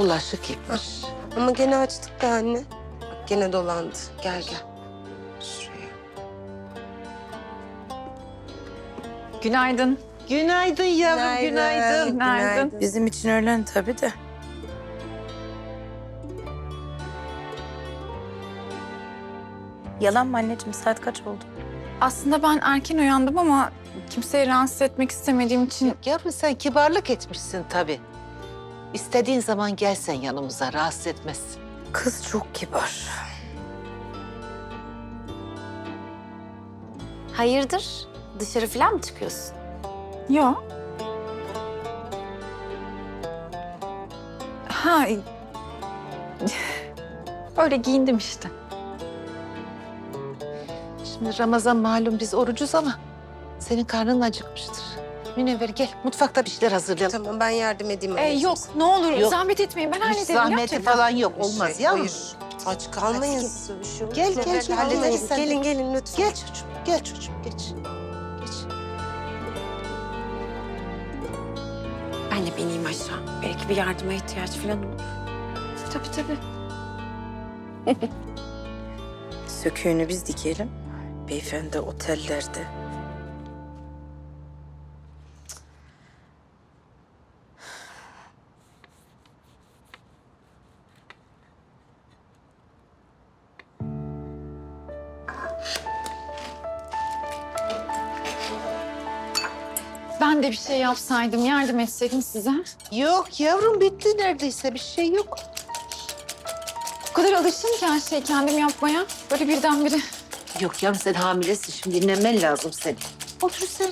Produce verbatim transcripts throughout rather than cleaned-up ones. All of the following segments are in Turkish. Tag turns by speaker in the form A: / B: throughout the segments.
A: Bulaşık yıkmış.
B: Ama gene açtık da anne. Bak gene dolandı. Gel gel. Şuraya.
C: Günaydın.
A: Günaydın yavrum, günaydın.
C: Günaydın.
D: Bizim için öğlen tabii de. Yalan mı anneciğim? Saat kaç oldu?
C: Aslında ben erken uyandım ama kimseyi rahatsız etmek istemediğim için...
A: Yavrum sen kibarlık etmişsin tabii. İstediğin zaman gelsen yanımıza, rahatsız etmezsin.
D: Kız çok kibar.
E: Hayırdır? Dışarı falan mı çıkıyorsun?
C: Yok. Ha... Öyle giyindim işte.
A: Şimdi Ramazan malum biz orucuz ama senin karnın acıkmıştır. Münevver gel mutfakta bir şeyler hazırlayalım.
B: Tamam ben yardım edeyim
C: Ee,
B: anneciğim.
C: yok ne olur
A: Yok.
C: zahmet etmeyin ben
A: Hiç
C: hallederim.
A: zahmeti
C: gerçekten.
A: falan yok olmaz
B: Şey,
A: yavrum.
B: hayır. Aç kalmayın siz. Bir şey olmaz.
A: Gel, gel
B: Evet,
A: canım,
B: hallederiz.
A: gel sen de.
B: Gelin gelin lütfen.
A: Gel çocuğum, gel çocuğum geç. Geç.
E: Ben de bineyim aşağı. Belki bir yardıma ihtiyaç falan olur.
C: Tabii tabii.
D: Söküğünü biz dikelim. Beyefendi otellerde.
C: Ben de bir şey yapsaydım, yardım etseydim size.
A: Yok yavrum bitti neredeyse bir şey yok.
C: O kadar alıştım ki her şeyi kendim yapmaya. Böyle birdenbire.
A: Yok yavrum sen hamilesin şimdi dinlenmen lazım senin. Otur sen.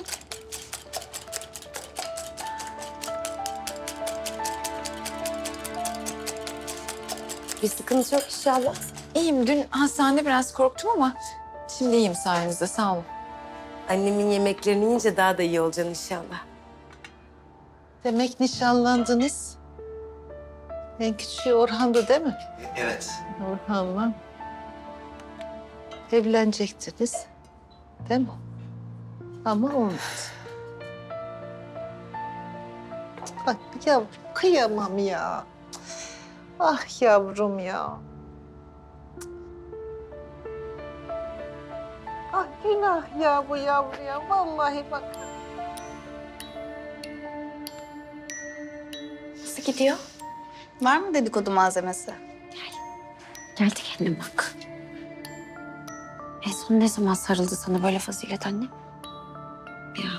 E: Bir sıkıntı yok inşallah.
C: İyiyim. Dün hastanede biraz korktum ama şimdi iyiyim sayenizde. Sağ olun.
B: Annemin yemeklerini yiyince daha da iyi olacaksın inşallah.
A: Demek nişanlandınız. En küçüğü Orhan'dı değil mi?
F: Evet.
A: Orhan'la evlenecektiniz. Değil mi? Ama olmadı. Bak yavrum kıyamam ya. Ah yavrum ya. Ah günah ya bu yavruya. Vallahi bak.
E: Nasıl gidiyor?
D: Var mı dedikodu malzemesi?
E: Geldi kendine bak. En son ne zaman sarıldı sana böyle Fazilet anne? Ya.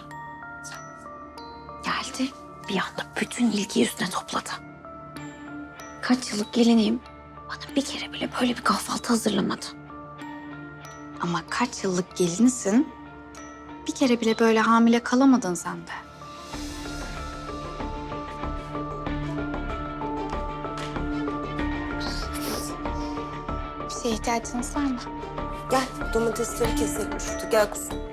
E: Geldi. Bir anda bütün ilgiyi üstüne topladı. Kaç yıllık gelineyim. Bana bir kere bile böyle bir kahvaltı hazırlamadı.
G: Ama kaç yıllık gelinisin, bir kere bile böyle hamile kalamadın sen de. Bir şeye ihtiyacınız var mı?
B: Gel domatesleri keselim şurada. Gel kuzum.